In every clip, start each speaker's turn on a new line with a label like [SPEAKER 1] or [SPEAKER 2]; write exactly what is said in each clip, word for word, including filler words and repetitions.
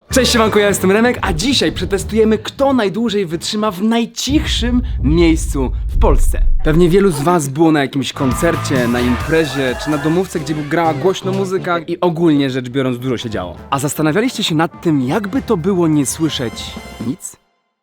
[SPEAKER 1] Cześć siemanko, ja jestem Remek, a dzisiaj przetestujemy, kto najdłużej wytrzyma w najcichszym miejscu w Polsce. Pewnie wielu z was było na jakimś koncercie, na imprezie, czy na domówce, gdzie grała głośno muzyka i ogólnie rzecz biorąc dużo się działo. A zastanawialiście się nad tym, jakby to było nie słyszeć nic?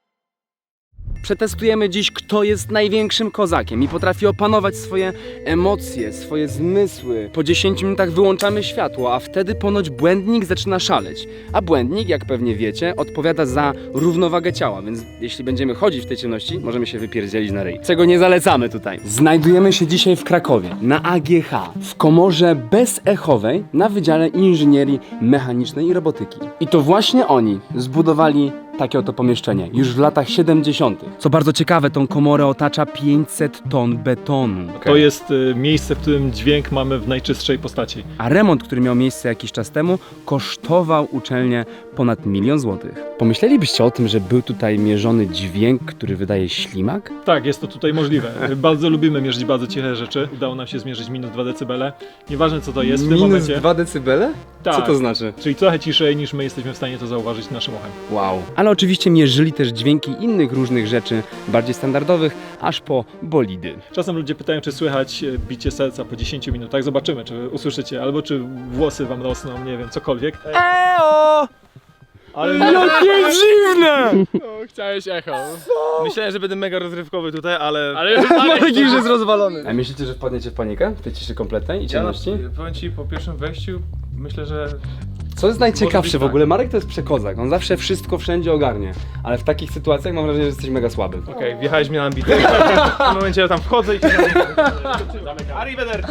[SPEAKER 1] Przetestujemy dziś, kto jest największym kozakiem i potrafi opanować swoje emocje, swoje zmysły. Po dziesięciu minutach wyłączamy światło, a wtedy ponoć błędnik zaczyna szaleć. A błędnik, jak pewnie wiecie, odpowiada za równowagę ciała, więc jeśli będziemy chodzić w tej ciemności, możemy się wypierdzielić na ryj. Czego nie zalecamy tutaj. Znajdujemy się dzisiaj w Krakowie, na A G H, w komorze bezechowej na Wydziale Inżynierii Mechanicznej i Robotyki. I to właśnie oni zbudowali takie oto pomieszczenie, już w latach siedemdziesiątych. Co bardzo ciekawe, tą komorę otacza pięćset ton betonu.
[SPEAKER 2] To jest y, miejsce, w którym dźwięk mamy w najczystszej postaci.
[SPEAKER 1] A remont, który miał miejsce jakiś czas temu, kosztował uczelnię ponad milion złotych. Pomyślelibyście o tym, że był tutaj mierzony dźwięk, który wydaje ślimak?
[SPEAKER 2] Tak, jest to tutaj możliwe. Bardzo lubimy mierzyć bardzo ciche rzeczy. Udało nam się zmierzyć minus dwa decybele. Nieważne co to jest w tym
[SPEAKER 1] Minus
[SPEAKER 2] momencie.
[SPEAKER 1] dwa decybele?
[SPEAKER 2] Tak.
[SPEAKER 1] Co to znaczy?
[SPEAKER 2] Czyli trochę ciszej niż my jesteśmy w stanie to zauważyć naszym uchem.
[SPEAKER 1] Wow. Ale oczywiście mierzyli też dźwięki innych różnych rzeczy, bardziej standardowych, aż po bolidy.
[SPEAKER 2] Czasem ludzie pytają, czy słychać e, bicie serca po dziesięciu minutach. Zobaczymy, czy usłyszycie, albo czy włosy wam rosną, nie wiem, cokolwiek.
[SPEAKER 1] Eo!
[SPEAKER 2] Ale
[SPEAKER 1] Jakie dziwne!
[SPEAKER 3] No, chciałeś echo. Myślałem, że będę mega rozrywkowy tutaj, ale...
[SPEAKER 1] Ale Marek już jest rozwalony. A myślicie, że wpadniecie w panikę? W tej ciszy kompletnej i ciemności?
[SPEAKER 3] Ja, powiem ci, po pierwszym wejściu myślę, że...
[SPEAKER 1] Co jest najciekawsze
[SPEAKER 3] Może być
[SPEAKER 1] w ogóle? Marek to jest przekozak, on zawsze wszystko wszędzie ogarnie. Ale w takich sytuacjach mam wrażenie, że jesteś mega słaby.
[SPEAKER 3] Okej, okay, wjechałeś mnie na ambitę. W tym momencie ja tam wchodzę i... Arrivederci!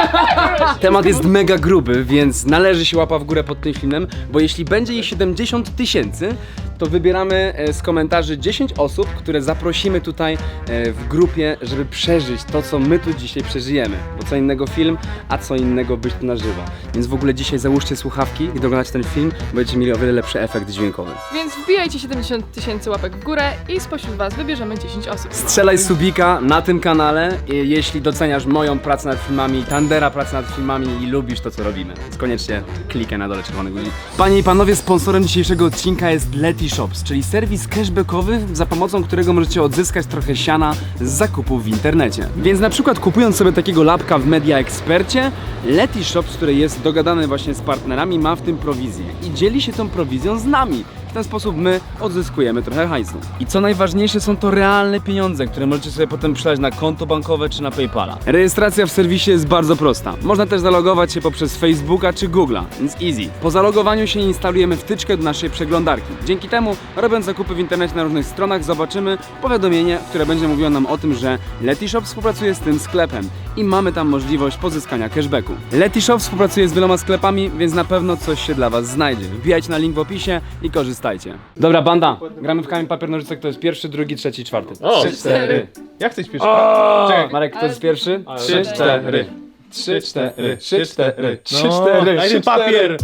[SPEAKER 1] Temat jest mega gruby, więc należy się łapa w górę pod tym filmem, bo jeśli będzie ich siedemdziesiąt tysięcy, to wybieramy z komentarzy dziesięć osób, które zaprosimy tutaj w grupie, żeby przeżyć to, co my tu dzisiaj przeżyjemy. Bo co innego film, a co innego być tu na żywo. Więc w ogóle dzisiaj załóżcie słuchawki, gdy oglądacie ten film, bo będziecie mieli o wiele lepszy efekt dźwiękowy.
[SPEAKER 4] Więc wbijajcie siedemdziesiąt tysięcy łapek w górę i spośród was wybierzemy dziesięć osób.
[SPEAKER 1] Strzelaj subika na tym kanale, jeśli doceniasz moją pracę nad filmami, Tandera pracę nad filmami i lubisz to, co robimy. Więc koniecznie klikaj na dole czerwony guzik. Panie i panowie, sponsorem dzisiejszego odcinka jest Leti Shops, czyli serwis cashbackowy, za pomocą którego możecie odzyskać trochę siana z zakupów w internecie. Więc na przykład kupując sobie takiego lapka w Media Expercie, Leti Shops, który jest dogadany właśnie z partnerami, ma w tym prowizję i dzieli się tą prowizją z nami. W ten sposób my odzyskujemy trochę hajsu. I co najważniejsze, są to realne pieniądze, które możecie sobie potem przelać na konto bankowe czy na PayPala. Rejestracja w serwisie jest bardzo prosta. Można też zalogować się poprzez Facebooka czy Google'a, więc easy. Po zalogowaniu się instalujemy wtyczkę do naszej przeglądarki. Dzięki temu, robiąc zakupy w internecie na różnych stronach, zobaczymy powiadomienie, które będzie mówiło nam o tym, że Leti Shop współpracuje z tym sklepem i mamy tam możliwość pozyskania cashbacku. Leti Shop współpracuje z wieloma sklepami, więc na pewno coś się dla was znajdzie. Wbijajcie na link w opisie i korzystajcie. Dobra, banda, gramy w kamień, papier, nożyce, kto jest pierwszy, drugi, trzeci, czwarty.
[SPEAKER 3] O!
[SPEAKER 1] Trzy, cztery.
[SPEAKER 3] Jak chcesz pierwszy?
[SPEAKER 1] Czekaj, Marek, kto jest pierwszy? Trzy, cztery. Trzy, cztery. Trzy, cztery. Trzy, cztery.
[SPEAKER 3] Daj ten papier!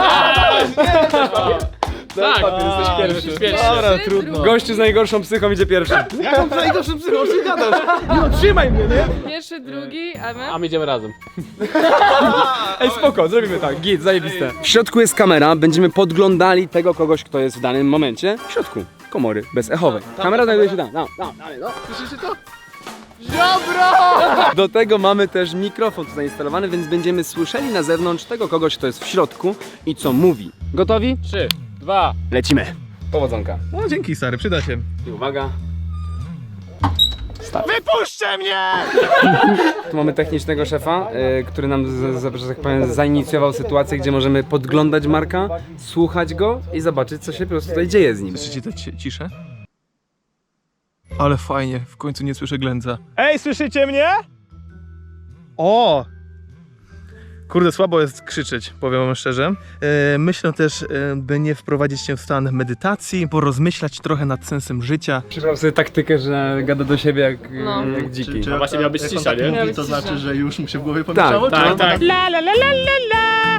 [SPEAKER 1] Tak, papier, jesteś pierwszy.
[SPEAKER 4] Pierwszy.
[SPEAKER 3] Dobra,
[SPEAKER 4] Ty,
[SPEAKER 3] trudno.
[SPEAKER 4] drugi.
[SPEAKER 1] Gościu z najgorszą psychą idzie pierwszy.
[SPEAKER 3] Jaką najgorszą psychą się gadasz? No trzymaj mnie, nie?
[SPEAKER 4] Pierwszy, drugi, a my?
[SPEAKER 3] A my idziemy razem.
[SPEAKER 1] Ej, spoko, zrobimy tak, git, zajebiste. W środku jest kamera, będziemy podglądali tego kogoś, kto jest w danym momencie w środku komory bezechowej. Kamera znajduje się tam, tam, tam, dalej, no.
[SPEAKER 3] Słyszycie to?
[SPEAKER 1] Do tego mamy też mikrofon tu zainstalowany, więc będziemy słyszeli na zewnątrz tego kogoś, kto jest w środku i co mówi. Gotowi?
[SPEAKER 3] Trzy, dwa.
[SPEAKER 1] Lecimy. Powodzonka.
[SPEAKER 3] No dzięki stary, przyda się.
[SPEAKER 1] I uwaga. Start.
[SPEAKER 3] Wypuśćcie mnie!
[SPEAKER 1] Tu mamy technicznego szefa, y, który nam, z, z, że tak powiem, zainicjował sytuację, gdzie możemy podglądać Marka, słuchać go i zobaczyć, co się po prostu tutaj dzieje z nim.
[SPEAKER 5] Słyszycie tę ci- ciszę? Ale fajnie, w końcu nie słyszę ględza.
[SPEAKER 3] Ej, słyszycie mnie? O! Kurde, słabo jest krzyczeć, powiem wam szczerze. E, myślę też, e, by nie wprowadzić się w stan medytacji, porozmyślać trochę nad sensem życia.
[SPEAKER 1] Przybrał sobie taktykę, że gada do siebie jak,
[SPEAKER 4] No.
[SPEAKER 1] jak dziki.
[SPEAKER 6] Czy, czy
[SPEAKER 3] No właśnie miała być
[SPEAKER 6] jak
[SPEAKER 3] cisza,
[SPEAKER 6] on tak
[SPEAKER 3] nie?
[SPEAKER 6] mówi,
[SPEAKER 4] Miała być
[SPEAKER 6] to
[SPEAKER 4] cisza.
[SPEAKER 6] znaczy, że już mu się w głowie pomieszało?
[SPEAKER 1] Tak,
[SPEAKER 6] czy
[SPEAKER 1] tak,
[SPEAKER 6] on
[SPEAKER 3] tak. La la la la la la.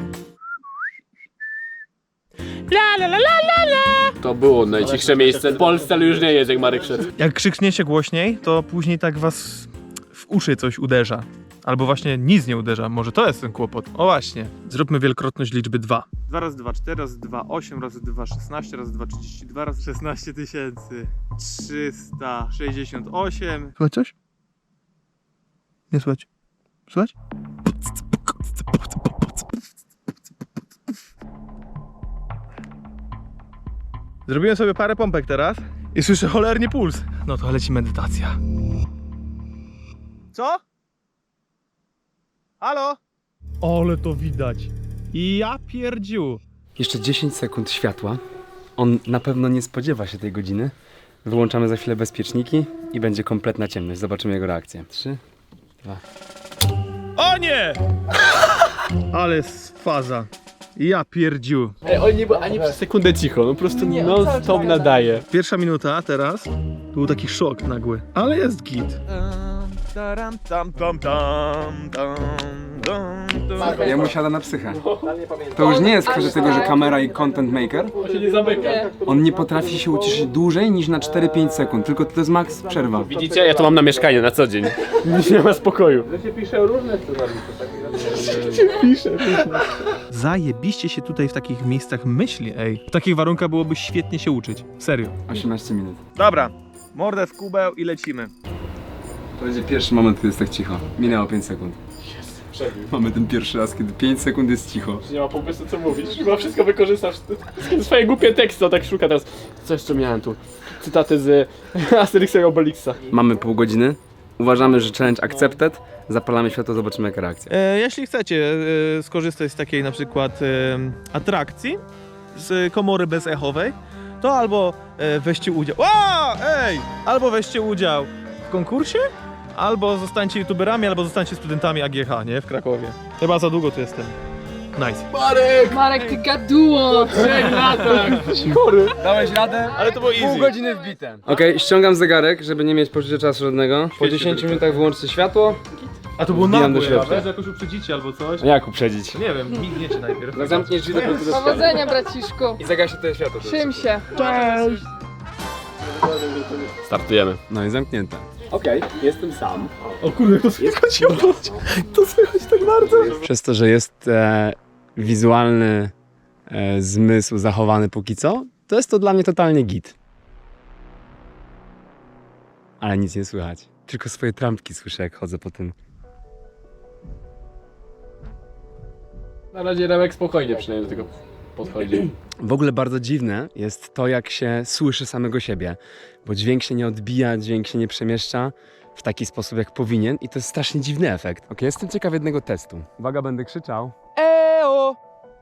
[SPEAKER 3] La la la la la la.
[SPEAKER 7] To było najcichsze miejsce w Polsce, ale już nie jest, jak Marek szedł.
[SPEAKER 3] Jak krzykniecie głośniej, to później tak was w uszy coś uderza. Albo właśnie nic nie uderza, może to jest ten kłopot. O właśnie, zróbmy wielokrotność liczby dwa. dwa razy dwa, cztery, razy dwa, osiem, razy dwa, szesnaście, razy dwa, trzydzieści dwa, razy szesnaście tysięcy trzysta sześćdziesiąt osiem. Słychać coś? Nie słychać. Słychać? Zrobiłem sobie parę pompek teraz i słyszę cholernie puls. No to leci medytacja. Co? Halo? Ale to widać. Ja pierdziu.
[SPEAKER 1] Jeszcze dziesięć sekund światła. On na pewno nie spodziewa się tej godziny. Wyłączamy za chwilę bezpieczniki i będzie kompletna ciemność. Zobaczymy jego reakcję. Trzy, dwa.
[SPEAKER 3] O nie! Ale jest faza. Ja pierdziu.
[SPEAKER 7] Ej, on nie był ani przez sekundę cicho, no po prostu non stop nadaje.
[SPEAKER 3] Pierwsza minuta teraz to był taki szok nagły, ale jest git.
[SPEAKER 1] Ja mu siada na psychę. To już nie jest kwestia tego, że kamera i content maker.
[SPEAKER 7] On się nie zamyka.
[SPEAKER 1] On nie potrafi się ucieszyć dłużej niż na cztery pięć sekund, tylko to jest max przerwa.
[SPEAKER 7] Widzicie? Ja to mam na mieszkanie na co dzień. Nie ma spokoju.
[SPEAKER 3] Zajebiście się tutaj w takich miejscach myśli, ej. W takich warunkach byłoby świetnie się uczyć. Serio.
[SPEAKER 1] osiemnaście minut.
[SPEAKER 3] Dobra, mordę w kubeł i lecimy.
[SPEAKER 1] To będzie pierwszy moment, kiedy jest tak cicho. Minęło pięć sekund. Mamy ten pierwszy raz, kiedy pięć sekund jest cicho.
[SPEAKER 7] Nie ma pomysłu co mówić. Chyba wszystko wykorzystasz. Swoje głupie teksty, on tak szuka teraz. Co jeszcze miałem tu? Cytaty z Asterixa i Obelixa.
[SPEAKER 1] Mamy pół godziny. Uważamy, że challenge accepted. Zapalamy światło, zobaczymy jaka reakcja.
[SPEAKER 3] E, jeśli chcecie e, skorzystać z takiej na przykład e, atrakcji, z komory bezechowej, to albo e, weźcie udział. O, ej! Albo weźcie udział w konkursie, albo zostańcie youtuberami, albo zostańcie studentami A G H, nie? W Krakowie. Chyba za długo tu jestem. Nice.
[SPEAKER 4] Marek, ty gaduło!
[SPEAKER 7] Trzech latach!
[SPEAKER 1] Dałeś radę?
[SPEAKER 3] Ale to było
[SPEAKER 1] Pół
[SPEAKER 3] easy.
[SPEAKER 1] godziny wbite. Okej, okay, ściągam zegarek, żeby nie mieć poczucia czasu żadnego. Po dziesięciu minutach wyłączcie światło.
[SPEAKER 3] A to było
[SPEAKER 1] Wbijam do
[SPEAKER 3] nagłe,
[SPEAKER 1] środka.
[SPEAKER 3] a że jakoś uprzedzicie albo coś.
[SPEAKER 1] A jak uprzedzić?
[SPEAKER 3] Nie wiem, migniecie najpierw.
[SPEAKER 1] Jak zamkniesz drzwi do punktu do
[SPEAKER 4] Powodzenia, braciszku!
[SPEAKER 1] i zagaśnie to światło.
[SPEAKER 4] Trzym się.
[SPEAKER 7] Startujemy.
[SPEAKER 1] No i zamknięte.
[SPEAKER 7] Okej, okay, jestem sam.
[SPEAKER 3] O kurde, to słychać, to słychać tak bardzo.
[SPEAKER 1] Przez to, że jest e, wizualny e, zmysł zachowany póki co, to jest to dla mnie totalnie git. Ale nic nie słychać. Tylko swoje trampki słyszę, jak chodzę po tym.
[SPEAKER 7] Na razie Remek spokojnie przynajmniej do tego podchodzi.
[SPEAKER 1] W ogóle bardzo dziwne jest to, jak się słyszy samego siebie, bo dźwięk się nie odbija, dźwięk się nie przemieszcza w taki sposób, jak powinien i to jest strasznie dziwny efekt. Ok, jestem ciekaw jednego testu. Uwaga, będę krzyczał. Eo!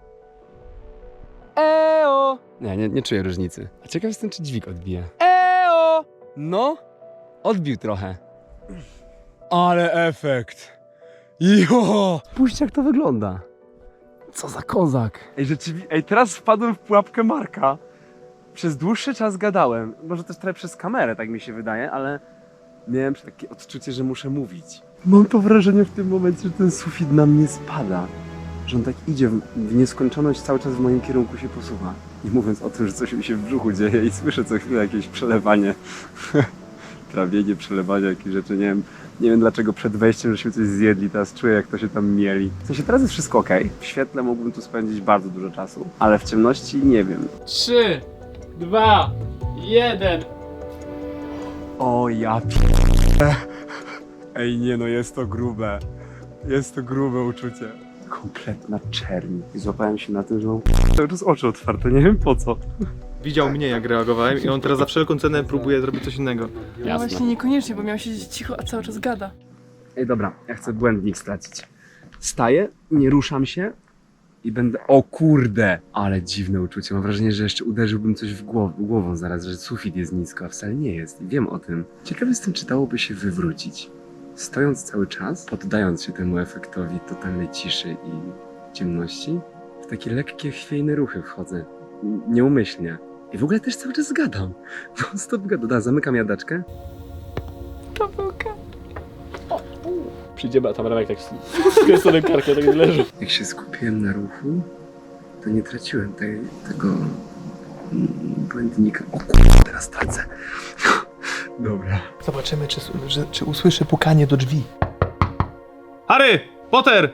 [SPEAKER 1] Eo! Nie, nie, nie czuję różnicy. A ciekaw jestem, czy dźwig odbije. Eo! No, odbił trochę. Ale efekt! Jo! Spójrzcie, jak to wygląda. Co za kozak. Ej, rzeczywiście, ej, teraz wpadłem w pułapkę Marka. Przez dłuższy czas gadałem. Może też trochę przez kamerę, tak mi się wydaje, ale miałem takie odczucie, że muszę mówić. Mam to wrażenie w tym momencie, że ten sufit na mnie spada. Że on tak idzie w, w nieskończoność, cały czas w moim kierunku się posuwa. Nie mówiąc o tym, że coś mi się w brzuchu dzieje i słyszę co chwilę jakieś przelewanie. Trawienie, przelewanie, jakieś rzeczy, nie wiem. Nie wiem dlaczego przed wejściem żeśmy coś zjedli, teraz czuję jak to się tam mieli. W sensie teraz jest wszystko ok. W świetle mógłbym tu spędzić bardzo dużo czasu, ale w ciemności nie wiem.
[SPEAKER 7] Trzy, dwa, jeden.
[SPEAKER 1] O ja p***e. Ej nie no, jest to grube. Jest to grube uczucie. Kompletna czerń. I złapałem się na tym, że mam cały czas oczy otwarte, nie wiem po co.
[SPEAKER 3] Widział mnie, jak reagowałem i on teraz za wszelką cenę próbuje zrobić coś innego.
[SPEAKER 4] No właśnie niekoniecznie, bo miał siedzieć cicho, a cały czas gada.
[SPEAKER 1] Ej dobra, ja chcę błędnik stracić. Staję, nie ruszam się i będę... O kurde! Ale dziwne uczucie. Mam wrażenie, że jeszcze uderzyłbym coś w głowę, głową zaraz, że sufit jest nisko, a wcale nie jest. I wiem o tym. Ciekawe jestem, czy dałoby się wywrócić. Stojąc cały czas, poddając się temu efektowi totalnej ciszy i ciemności, w takie lekkie, chwiejne ruchy wchodzę. N- Nieumyślnie. I w ogóle też cały czas gadam. No stop gadam. Da, zamykam jadaczkę.
[SPEAKER 4] Pawełka.
[SPEAKER 7] Przyjdziemy, a tam Remek tak skręcony karkiem tak leży.
[SPEAKER 1] Jak się skupiłem na ruchu, to nie traciłem tej, tego mm, błędnika. O kurde, teraz tracę. Dobra.
[SPEAKER 3] Zobaczymy, czy, czy, czy usłyszy pukanie do drzwi. Harry! Potter!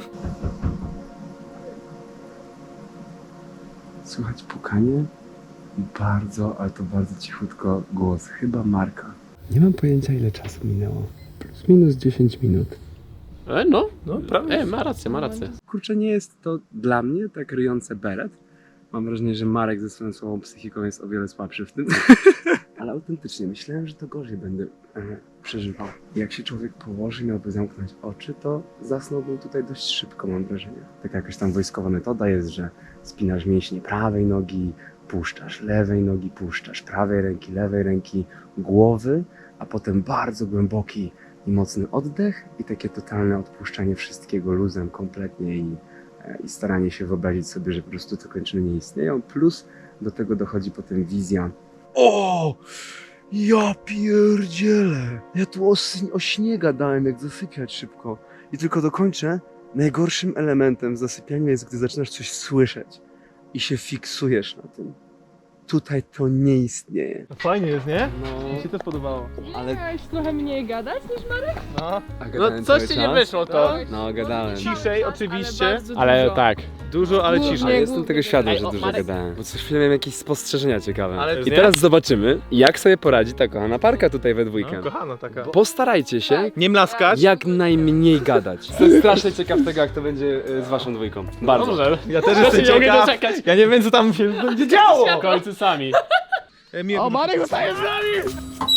[SPEAKER 1] Słychać pukanie? Bardzo, ale to bardzo cichutko głos. Chyba Marka. Nie mam pojęcia, ile czasu minęło. Plus minus dziesięć minut.
[SPEAKER 7] E, no,
[SPEAKER 3] No, prawda.
[SPEAKER 7] e, ma rację, ma rację.
[SPEAKER 1] Kurczę, nie jest to dla mnie tak ryjące beret. Mam wrażenie, że Marek ze swoją słabą psychiką jest o wiele słabszy w tym. Ale autentycznie, myślałem, że to gorzej będę e, przeżywał. Jak się człowiek położy, miałby zamknąć oczy, to zasnąłbym tutaj dość szybko, mam wrażenie. Taka jakaś tam wojskowa metoda jest, że spinasz mięśnie prawej nogi, puszczasz lewej nogi, puszczasz prawej ręki, lewej ręki, głowy, a potem bardzo głęboki i mocny oddech i takie totalne odpuszczanie wszystkiego luzem kompletnie i, e, i staranie się wyobrazić sobie, że po prostu te kończyny nie istnieją, plus do tego dochodzi potem wizja. O! Ja pierdzielę! Ja tu o, s- o śnie gadałem, jak zasypiać szybko. I tylko dokończę. Najgorszym elementem w zasypianiu jest, gdy zaczynasz coś słyszeć i się fiksujesz na tym. Tutaj to nie istnieje.
[SPEAKER 3] No fajnie jest, nie?
[SPEAKER 1] No,
[SPEAKER 3] Mi się też podobało.
[SPEAKER 1] ale...
[SPEAKER 4] Miałeś trochę mniej gadać niż Marek?
[SPEAKER 3] No.
[SPEAKER 1] A
[SPEAKER 7] No
[SPEAKER 1] gadałem
[SPEAKER 7] coś
[SPEAKER 1] cały
[SPEAKER 7] ci nie
[SPEAKER 1] czas?
[SPEAKER 7] wyszło to.
[SPEAKER 1] No, gadałem.
[SPEAKER 3] Ciszej oczywiście,
[SPEAKER 4] ale, bardzo
[SPEAKER 7] Ale
[SPEAKER 4] dużo.
[SPEAKER 7] tak.
[SPEAKER 3] Dużo, ale
[SPEAKER 4] Głównie
[SPEAKER 3] ciszej.
[SPEAKER 1] Ale jestem
[SPEAKER 4] głównie
[SPEAKER 1] tego świadom,
[SPEAKER 7] Ej,
[SPEAKER 1] że
[SPEAKER 7] o,
[SPEAKER 1] dużo
[SPEAKER 7] Marek.
[SPEAKER 1] gadałem. Bo co chwilę miałem jakieś spostrzeżenia ciekawe.
[SPEAKER 3] Ale
[SPEAKER 1] I
[SPEAKER 3] nie?
[SPEAKER 1] teraz zobaczymy, jak sobie poradzi ta kochana parka tutaj we dwójkę.
[SPEAKER 3] No, kochana taka.
[SPEAKER 1] Postarajcie się
[SPEAKER 3] Nie mlaskać.
[SPEAKER 1] jak najmniej gadać. Jestem strasznie ciekaw tego, jak to będzie e, z waszą dwójką. Bardzo.
[SPEAKER 7] Dobrze.
[SPEAKER 3] Ja też
[SPEAKER 7] Ja
[SPEAKER 3] jestem
[SPEAKER 7] się nie mogę
[SPEAKER 3] ciekaw.
[SPEAKER 7] doczekać.
[SPEAKER 3] Ja nie wiem, co tam się będzie działo.
[SPEAKER 7] W końcu sami.
[SPEAKER 3] E, mnie-
[SPEAKER 7] O, Marek zostaje z nami!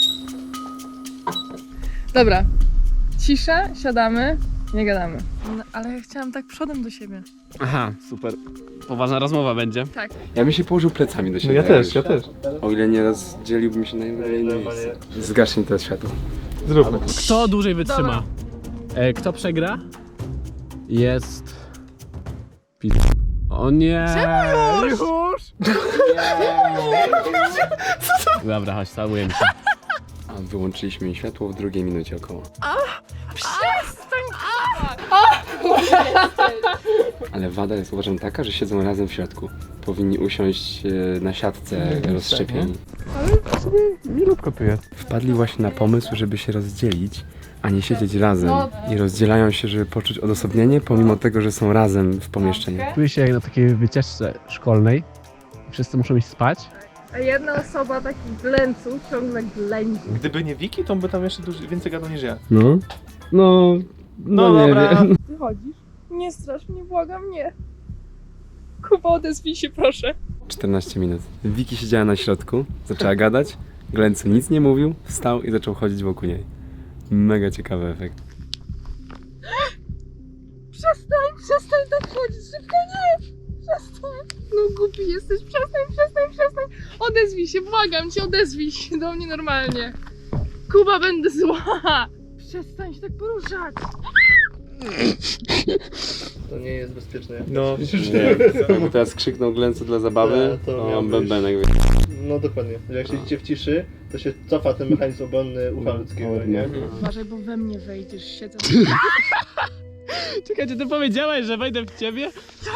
[SPEAKER 4] Dobra. Cisza, siadamy, nie gadamy. No, ale ja chciałam tak przodem do siebie.
[SPEAKER 7] Aha, super. Poważna rozmowa będzie.
[SPEAKER 4] Tak.
[SPEAKER 1] Ja bym się położył plecami do
[SPEAKER 3] No
[SPEAKER 1] siebie.
[SPEAKER 3] ja też, ja też.
[SPEAKER 1] O ile nie rozdzieliłbym się na inne miejsce. Zgaśnie to światło.
[SPEAKER 3] Zróbmy.
[SPEAKER 7] Kto dłużej wytrzyma? E, kto przegra? Jest... Pi... O nie! Czemu już? Dobra, chodź, całujemy się.
[SPEAKER 1] A wyłączyliśmy światło w drugiej minucie około. Ale wada jest uważam taka, że siedzą razem w środku. Powinni usiąść e, na siatce rozszczepieni.
[SPEAKER 3] Milutko tu jest.
[SPEAKER 1] Wpadli właśnie na pomysł, żeby się rozdzielić, a nie siedzieć razem. I rozdzielają się, żeby poczuć odosobnienie, pomimo tego, że są razem w pomieszczeniu.
[SPEAKER 6] Czuję się jak na takiej wycieczce szkolnej. Wszyscy muszą iść spać.
[SPEAKER 4] A jedna osoba taki glęcu ciągle ględzi.
[SPEAKER 3] Gdyby nie Wiki, to on by tam jeszcze dużo, więcej gadał niż ja.
[SPEAKER 1] No? No...
[SPEAKER 3] No, dobra.
[SPEAKER 4] Ty chodzisz? Nie strasz mnie, błagam, nie. Kuba, odezwij się proszę.
[SPEAKER 1] czternaście minut. Wiki siedziała na środku, zaczęła gadać, Glencu nic nie mówił, wstał i zaczął chodzić wokół niej. Mega ciekawy efekt.
[SPEAKER 4] Przestań, przestań tak chodzić, szybko nie! Przestań! No głupi jesteś, przestań, przestań, przestań! Odezwij się, błagam cię, odezwij się do mnie normalnie. Kuba, będę zła! Przestań się tak poruszać!
[SPEAKER 8] To nie jest bezpieczne.
[SPEAKER 3] No,
[SPEAKER 1] Jakby teraz krzyknął Glencu dla zabawy,
[SPEAKER 8] To
[SPEAKER 1] to
[SPEAKER 8] miał być-
[SPEAKER 1] bębenek.
[SPEAKER 8] No dokładnie. Jak siedzicie w ciszy, to się cofa ten mechanizm obronny ucha ludzkiego, nie?
[SPEAKER 4] Uważaj, bo we mnie wejdziesz, siedzę.
[SPEAKER 7] Czekaj, czy ty powiedziałeś, że wejdę w ciebie?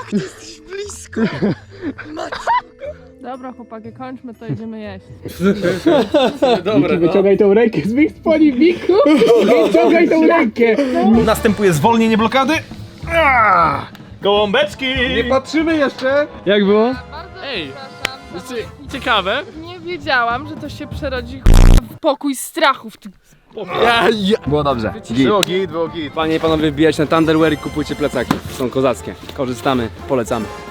[SPEAKER 4] Dobra chłopaki, kończmy to, idziemy jeść.
[SPEAKER 3] Dobre, no.
[SPEAKER 7] Wyciągaj tą rękę z moich spodni, Miku! Wyciągaj tą rękę!
[SPEAKER 3] Następuje zwolnienie blokady. Ah! Gołąbeczki! Nie patrzymy jeszcze!
[SPEAKER 7] Jak było?
[SPEAKER 4] Bardzo
[SPEAKER 7] Ej,
[SPEAKER 4] przepraszam.
[SPEAKER 7] Znaczy, ciekawe.
[SPEAKER 4] Nie wiedziałam, że to się przerodzi w pokój strachów. Ty...
[SPEAKER 1] Ja, ja. Było dobrze. Git.
[SPEAKER 3] Było git, było git.
[SPEAKER 1] Panie i panowie, wbijać na Thunderwear i kupujcie plecaki. Są kozackie. Korzystamy, polecamy.